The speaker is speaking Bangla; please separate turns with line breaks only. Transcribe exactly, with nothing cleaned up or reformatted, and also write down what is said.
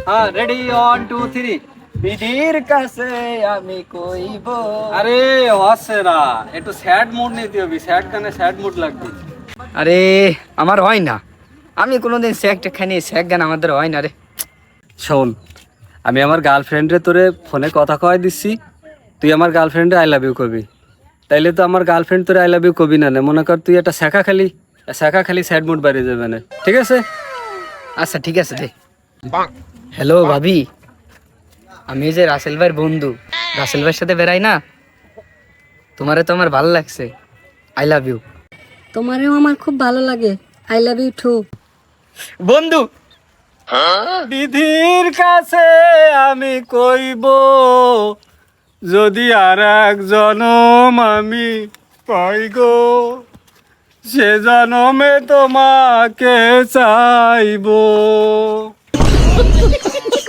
হ্যাঁ রেডি ওয়ান টু থ্রি।
বিধির কাছে আমি কইব।
আরে হচ্ছে না, একটু স্যাড মুড নিতে হবে, স্যাড গানে স্যাড মুড লাগবে।
আরে আমার হয় না, আমি কোনোদিন স্যাক খাইনি, স্যাক গান আমাদের হয় না রে।
শোন, আমি আমার গার্লফ্রেন্ডে তোরে ফোনে কথা কয় দিচ্ছি, তুই আমার গার্লফ্রেন্ডে আই লাভ ইউ কবি। তাইলে তো আমার গার্লফ্রেন্ড তোরে আই লাভ ইউ কবি না, মনে কর তুই একটা শেখা খালি শেখা খালি স্যাড মুড বাড়িয়ে যাবে না, ঠিক আছে?
আচ্ছা ঠিক আছে রে। হ্যালো ভাবি, আমি যে রাসেল ভাইয়ের বন্ধু, রাসেল ভাইয়ের সাথে বেড়াই না, তোমারে তো আমার ভালো লাগছে, আই লাভ ইউ।
তোমারেও আমার খুব ভালো লাগে, আই লাভ ইউ টু।
বন্ধু
বিধির কাছে আমি কইব, যদি আর এক জনম আমি পাই গো, সে জনমে তোমাকে চাইব।